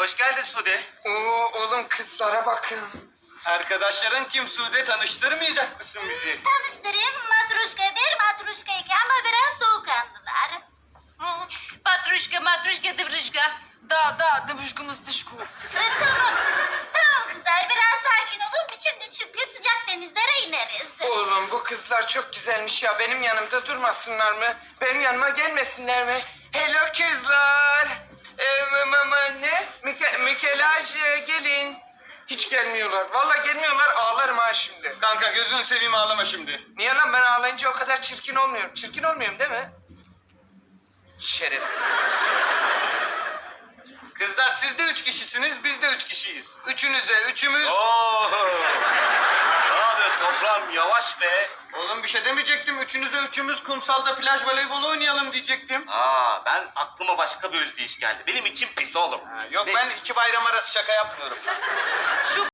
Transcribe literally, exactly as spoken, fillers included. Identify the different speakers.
Speaker 1: Hoş geldin Sude.
Speaker 2: Oo, oğlum kızlara bakın.
Speaker 1: Arkadaşların kim Sude? Tanıştırmayacak mısın bizi?
Speaker 3: Tanıştırayım. Matruşka bir, matruşka iki ama biraz soğukkanlılar.
Speaker 4: Hı, Patruşka, matruşka, dıvrışka. Da, da, dıvışkımız dışku.
Speaker 3: Ee, tamam. Tamam kızlar biraz sakin olun. Şimdi çünkü sıcak denizlere ineriz.
Speaker 2: Oğlum bu kızlar çok güzelmiş ya. Benim yanımda durmasınlar mı? Benim yanıma gelmesinler mi? Hello kızlar. Ee, m- m- ne? Mike Mikelaj e, gelin. Hiç gelmiyorlar. Vallahi gelmiyorlar. Ağlarım ha şimdi.
Speaker 1: Kanka gözünü seveyim ağlama şimdi.
Speaker 2: Niye lan ben ağlayınca o kadar çirkin olmuyorum? Çirkin olmuyorum değil mi? Şerefsiz.
Speaker 1: Kızlar siz de üç kişisiniz, biz de üç kişiyiz. Üçünüze üçümüz...
Speaker 5: Oo. Ne yapıyorsun toprağım? Yavaş be.
Speaker 1: Oğlum bir şey demeyecektim. Üçünüze üçümüz kumsalda plaj voleybolu oynayalım diyecektim.
Speaker 5: Aa, ben aklıma başka bir özdeyiş geldi. Benim için pis oğlum.
Speaker 1: Yok
Speaker 5: Ve-
Speaker 1: ben iki bayram arası şaka yapmıyorum.
Speaker 4: Şu